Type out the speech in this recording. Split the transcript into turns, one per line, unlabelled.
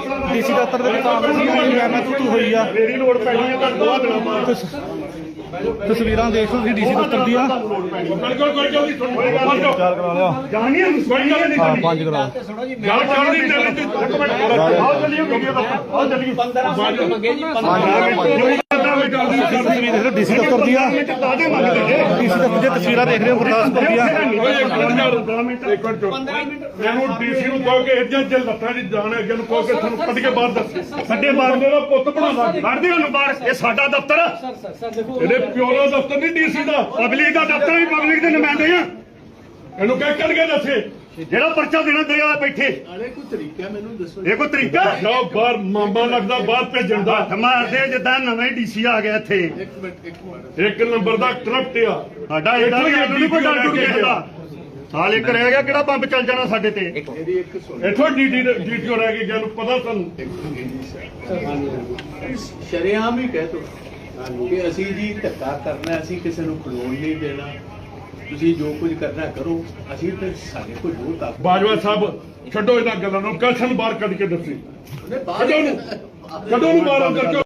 DC ਦਫ਼ਤਰ ਦੇ ਵਿੱਚ ਮੈਂ ਤੂੰ ਹੋਈ ਆ
ਮੇਰੀ ਲੋੜ ਪੈਣੀ ਹੈ ਤਾਂ ਦੋਆ ਦਿਨਾਂ ਬਾਅਦ
ਤਸਵੀਰਾਂ ਦੇਖ ਲਓ ਤੁਸੀਂ ਡੀਸੀ ਦਫ਼ਤਰ ਦੀਆਂ।
ਬਿਲਕੁਲ ਕੋਈ ਜਲਦੀ ਸੁਣੋ
ਚਾਰ ਕਰਾ ਲਿਆ
ਜਾਣੀ ਹੈ ਕੋਈ ਗੱਲ ਨਹੀਂ
ਹਾਂ 5 ਕਰਾ
ਗੱਲ ਚੱਲਦੀ ਚੱਲਦੀ ਇੱਕ ਮਿੰਟ ਆਓ ਚੱਲੀਏ ਵੀਡੀਓ ਦਾ ਆਓ ਚੱਲੀਏ 15 ਮੰਗੇ ਜੀ 15
ਤਸਵੀਰ ਦੇਖ ਲਓ ਡੀਸੀ ਦਫ਼ਤਰ ਦੀਆਂ। ਡੀਸੀ ਦਫ਼ਤਰ ਦੀਆਂ ਤਸਵੀਰਾਂ ਦੇਖ ਰਹੇ ਹੋ ਗੁਰਦਾਸਪੁਰ ਦੀਆਂ।
ਮੈਨੂੰ ਡੀਸੀ ਨੂੰ ਕਹੋ ਕਿ ਇੱਦਾਂ ਜੇ ਲੱਤਾਂ ਦੀ ਜਾਣ ਅੱਗੇ ਨੂੰ ਕਹੋ ਕਿ ਤੁਹਾਨੂੰ ਕੱਢ ਕੇ ਬਾਹਰ ਦੱਸ ਸਾਡੇ ਬਾਰਦੇ ਦਾ ਪੁੱਤ ਬਣਾਵਾ ਕੱਢਦੇ ਉਹਨੂੰ ਬਾਹਰ ਇਹ ਸਾਡਾ ਦਫ਼ਤਰ ਇਹਦੇ ਪਿਓ ਦਾ ਦਫ਼ਤਰ ਨਹੀਂ ਡੀਸੀ ਦਾ ਪਬਲਿਕ ਦਾ ਦਫ਼ਤਰ ਵੀ ਪਬਲਿਕ ਦੇ ਨੁਮਾਇੰਦੇ ਆ ਇਹਨੂੰ ਕਹਿ ਕੱਢ ਕੇ ਦੱਸੇ ਜਿਹੜਾ ਪਰਚਾ ਦੇਣਾ ਦੇਗਾ ਬੈਠੇ
ਕੋਈ ਤਰੀਕਾ ਮੈਨੂੰ ਦੱਸੋ
ਇਹ ਕੋਈ ਤਰੀਕਾ ਜਾਓ ਬਾਹਰ ਮਾਮਾ ਲੱਗਦਾ ਬਾਹਰ ਭੇਜਣ ਦਾ ਮਾਰਦੇ ਜਿੱਦਾਂ ਨਵੇਂ ਡੀਸੀ ਆ ਗਿਆ ਇੱਥੇ
ਇੱਕ ਮਿੰਟ
ਇੱਕ ਨੰਬਰ ਦਾ ਕਰਪਟ ਆ
ਸਾਡਾ ਇਹਦਾ ਵੀ ਸਾਨੂੰ ਨਹੀਂ ਕੋਈ ਡਰ ਡੁਰ ਕਿਸੇ ਦਾ ਸਾਲ ਇੱਕ ਰਹਿ ਗਿਆ ਕਿਹੜਾ ਬੰਬ ਚੱਲ ਜਾਣਾ ਸਾਡੇ ਤੇ
ਮੇਰੀ ਇੱਕ ਸੁਣ
ਇੱਥੋਂ ਡੀਟੀਓ ਰਹਿ ਗਈ ਜਾਨੂੰ ਪਤਾ ਸਾਨੂੰ
ਸ਼ਰੇਆਮ ਹੀ ਕਹਿ ਤੋ ਕਿ ਅਸੀਂ ਜੀ ਧੱਕਾ ਕਰਨਾ ਅਸੀਂ ਕਿਸੇ ਨੂੰ ਖਲੋਣ ਨਹੀਂ ਦੇਣਾ ਤੁਸੀਂ ਜੋ ਕੁਝ ਕਰਨਾ ਕਰੋ ਅਸੀਂ ਤੇ ਸਾਡੇ ਕੋਲ ਜੋ ਤਾਕਤ
ਬਾਜਵਾ ਸਾਹਿਬ ਛੱਡੋ ਇਹਨਾਂ ਗੱਲਾਂ ਨੂੰ ਕਸ਼ਨ ਬਾਹਰ ਕੱਢ ਕੇ ਦੱਸੀ
ਉਹਨੇ ਬਾਹਰ
ਕਦੋਂ ਨੂੰ ਬਾਹਰ ਅੰਦਰ ਕਿਉਂ